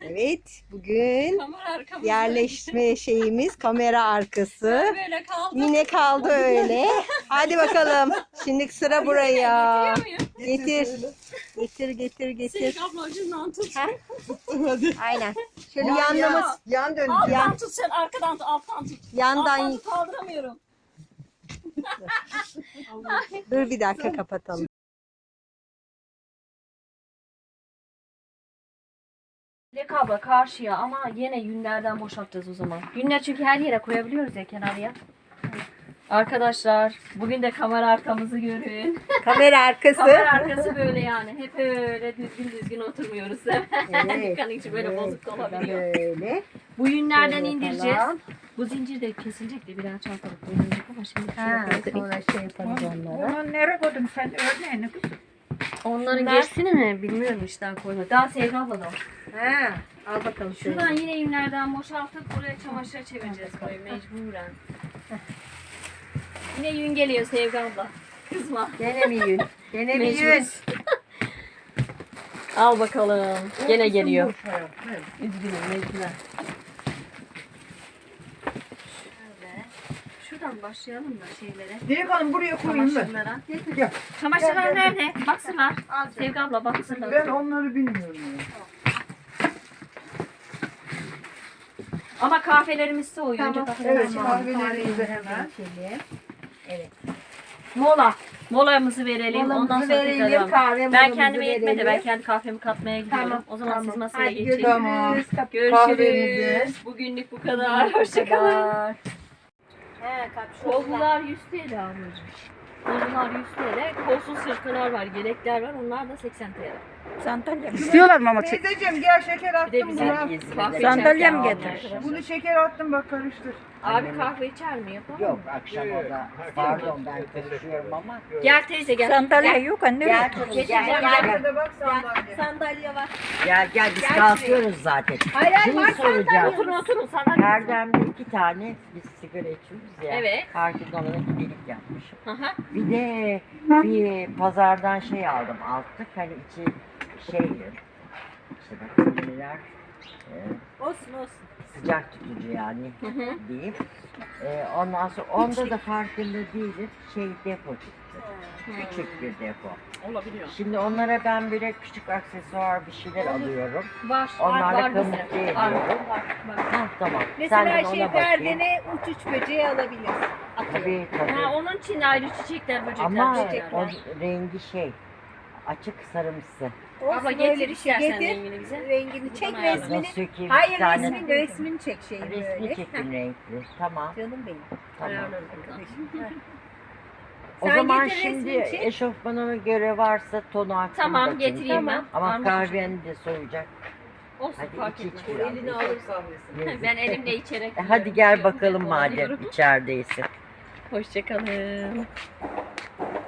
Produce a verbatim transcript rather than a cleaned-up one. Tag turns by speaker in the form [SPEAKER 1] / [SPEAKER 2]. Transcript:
[SPEAKER 1] Evet, bugün
[SPEAKER 2] Kamera arkamızda.
[SPEAKER 1] yerleşme şeyimiz kamera arkası.
[SPEAKER 2] Böyle kaldı.
[SPEAKER 1] Yine kaldı öyle. Hadi bakalım. Şimdi sıra buraya.
[SPEAKER 2] Getiriyor muyum?
[SPEAKER 1] Getir. Getir, getir, getir.
[SPEAKER 2] Senin abla ucundan tut.
[SPEAKER 1] Ha?
[SPEAKER 3] Hadi.
[SPEAKER 1] Aynen. Şöyle
[SPEAKER 3] Ya,
[SPEAKER 1] yanlaması.
[SPEAKER 3] ya, yan döneceğim.
[SPEAKER 2] Alttan tut sen arkadan tut alttan tut. Alttan
[SPEAKER 1] Yandan.
[SPEAKER 2] tut kaldıramıyorum.
[SPEAKER 1] Dur bir dakika kapatalım.
[SPEAKER 4] Dilek abla karşıya ama yine yünlerden boşaltacağız o zaman. Yünler çünkü her yere koyabiliyoruz ya kenarıya. Arkadaşlar bugün de kamera arkamızı görün.
[SPEAKER 1] Kamera arkası.
[SPEAKER 4] Kamera arkası böyle yani. Hep öyle düzgün düzgün oturmuyoruz değil mi?
[SPEAKER 1] Evet.
[SPEAKER 4] Dükkanın içi böyle bozuk da olabiliyor.
[SPEAKER 1] Böyle.
[SPEAKER 4] Bu yünlerden
[SPEAKER 1] Şöyle
[SPEAKER 4] indireceğiz.
[SPEAKER 1] falan.
[SPEAKER 4] Bu zincir de kesilecek de birer çantalık koyulacak ama şimdi
[SPEAKER 1] Ha,
[SPEAKER 4] şöyle
[SPEAKER 1] sonra şey yaparız onlara.
[SPEAKER 3] Onu nereye koydun sen örneğini kızım?
[SPEAKER 4] Onların
[SPEAKER 2] Bunlar-
[SPEAKER 4] geçsini mi bilmiyorum işte koyma. Daha Sevda abla da o.
[SPEAKER 1] Ha, al bakalım şöyle.
[SPEAKER 4] Şuradan yine yünlerden boşaltıp buraya çamaşır çevireceğiz burayı mecburen. Yine yün geliyor Sevda abla. Kızma.
[SPEAKER 1] Gene mi yün? Gene mi yün?
[SPEAKER 4] Mecburuz. Al bakalım. Gene geliyor. Üzgünüm mecburen. Şöyle. Şuradan başlayalım da şeylere.
[SPEAKER 3] Dilek Hanım buraya koyayım ben.
[SPEAKER 4] Çamaşırlara.
[SPEAKER 3] Gel.
[SPEAKER 4] Çamaşırlar nerede? Baksınlar. Sevgi abla baksınlar.
[SPEAKER 3] Ben onları bilmiyorum. Ya.
[SPEAKER 4] Ama kahvelerimiz soğuyor. Önce
[SPEAKER 1] Tamam.
[SPEAKER 4] kahvelerimizi
[SPEAKER 3] Evet,
[SPEAKER 4] alalım.
[SPEAKER 3] kahvelerimizi hemen.
[SPEAKER 1] Evet.
[SPEAKER 4] Mola. Molamızı verelim. Ondan
[SPEAKER 1] Molamızı
[SPEAKER 4] sonra
[SPEAKER 1] verelim,
[SPEAKER 4] tekrar devam.
[SPEAKER 1] kahve
[SPEAKER 4] Ben
[SPEAKER 1] molamızı
[SPEAKER 4] kendime yetmedi. Ben
[SPEAKER 1] verelim.
[SPEAKER 4] kendi kahvemi katmaya gidiyorum.
[SPEAKER 1] Tamam,
[SPEAKER 4] O zaman
[SPEAKER 1] tamam.
[SPEAKER 4] siz masaya
[SPEAKER 1] Hadi
[SPEAKER 4] geçin.
[SPEAKER 1] görüşürüz.
[SPEAKER 3] Tamam.
[SPEAKER 4] Görüşürüz.
[SPEAKER 3] Kahvenizi.
[SPEAKER 4] Bugünlük bu kadar. Hoşçakalın.
[SPEAKER 1] He,
[SPEAKER 4] Kollular yüz T L ablacığım. Kollular yüz T L. Kolsuz sırtlar var, yelekler var. Onlar da seksen T L.
[SPEAKER 3] İstiyorlar mı ama? Teyzeciğim gel şeker
[SPEAKER 4] Bir de
[SPEAKER 3] attım
[SPEAKER 4] bize
[SPEAKER 3] buna.
[SPEAKER 4] kahve
[SPEAKER 5] Sandalye
[SPEAKER 4] içerken
[SPEAKER 5] mi
[SPEAKER 4] alın
[SPEAKER 5] getir?
[SPEAKER 4] arkadaşlar.
[SPEAKER 3] Bunu şeker attım bak karıştır.
[SPEAKER 4] Abi kahve içer mi? Yapalım mı?
[SPEAKER 5] Yok akşam orada. Pardon ben konuşuyorum ama.
[SPEAKER 4] Gel teyze gel.
[SPEAKER 5] Sandalye
[SPEAKER 4] Gel.
[SPEAKER 5] yok anne.
[SPEAKER 1] Gel
[SPEAKER 5] yok.
[SPEAKER 1] canım gel
[SPEAKER 4] Geçeceğim,
[SPEAKER 1] gel.
[SPEAKER 4] gel.
[SPEAKER 3] Arkada bak sandalye.
[SPEAKER 1] Sandalye var.
[SPEAKER 5] Gel gel biz
[SPEAKER 1] Gel
[SPEAKER 5] kalkıyoruz zaten.
[SPEAKER 1] Hayır hayır
[SPEAKER 5] Şunu
[SPEAKER 1] var
[SPEAKER 5] soracağım.
[SPEAKER 1] sandalye.
[SPEAKER 4] Oturun oturun sandalye.
[SPEAKER 5] Erdem'de iki tane biz sigara içiyoruz ya.
[SPEAKER 4] Evet.
[SPEAKER 5] Herkes ona gidelik yapmışım.
[SPEAKER 4] Aha.
[SPEAKER 5] Bir de bir pazardan şey aldım altlık. Hani içi şey işte bak neler e,
[SPEAKER 1] Olsun olsun.
[SPEAKER 5] sıcak tutucu yani
[SPEAKER 4] Hı hı.
[SPEAKER 5] diyeyim. E, ondan sonra onda da farkında değilim. Şey depo çıktı. Küçük bir depo.
[SPEAKER 4] Olabiliyor.
[SPEAKER 5] Şimdi onlara ben böyle küçük aksesuar bir şeyler alıyorum.
[SPEAKER 4] Var.
[SPEAKER 5] Onlarla
[SPEAKER 4] var, var
[SPEAKER 5] kamufle
[SPEAKER 4] bizde.
[SPEAKER 5] ediyorum.
[SPEAKER 4] Var, var, var.
[SPEAKER 5] Ha tamam.
[SPEAKER 1] Mesela
[SPEAKER 5] Sen de
[SPEAKER 1] şey
[SPEAKER 5] ona bakayım.
[SPEAKER 1] perdene uç uç böceği alabilirsin.
[SPEAKER 5] Tabii tabii.
[SPEAKER 4] Ha, onun için ayrı çiçekler, böcekler,
[SPEAKER 5] Ama
[SPEAKER 4] böcekler.
[SPEAKER 5] o rengi şey açık sarımsı.
[SPEAKER 1] Olsun,
[SPEAKER 4] Abla
[SPEAKER 1] öyle
[SPEAKER 4] getir
[SPEAKER 1] bir şey
[SPEAKER 4] istersen
[SPEAKER 1] getir.
[SPEAKER 4] rengini bize.
[SPEAKER 1] Rengini çek
[SPEAKER 4] Buradan
[SPEAKER 1] resmini.
[SPEAKER 5] Nasıl sökeyim?
[SPEAKER 1] Hayır
[SPEAKER 5] Bir tane-
[SPEAKER 1] resmini resmini çek şeyi
[SPEAKER 5] Resmi
[SPEAKER 1] böyle.
[SPEAKER 5] çekim renkli. Tamam.
[SPEAKER 1] Canım benim.
[SPEAKER 5] Tamam.
[SPEAKER 4] Ayarlarız bakalım.
[SPEAKER 5] O
[SPEAKER 1] Sen
[SPEAKER 5] zaman
[SPEAKER 1] getir
[SPEAKER 5] şimdi
[SPEAKER 1] resmini çek.
[SPEAKER 5] eşofmanıma göre varsa tonu aklımda.
[SPEAKER 4] Tamam getireyim ben.
[SPEAKER 5] Ama
[SPEAKER 4] Parmak
[SPEAKER 5] kahveni de soyacak.
[SPEAKER 4] Olsun
[SPEAKER 5] Hadi
[SPEAKER 4] fark
[SPEAKER 5] iç iç
[SPEAKER 4] etmez.
[SPEAKER 5] biraz.
[SPEAKER 3] Elini alır kahvesini.
[SPEAKER 5] Yazık.
[SPEAKER 4] Ben elimle içerek.
[SPEAKER 5] E, Hadi gel bakalım
[SPEAKER 4] Dolanıyorum.
[SPEAKER 5] madem içerideysin.
[SPEAKER 4] Hoşçakalın.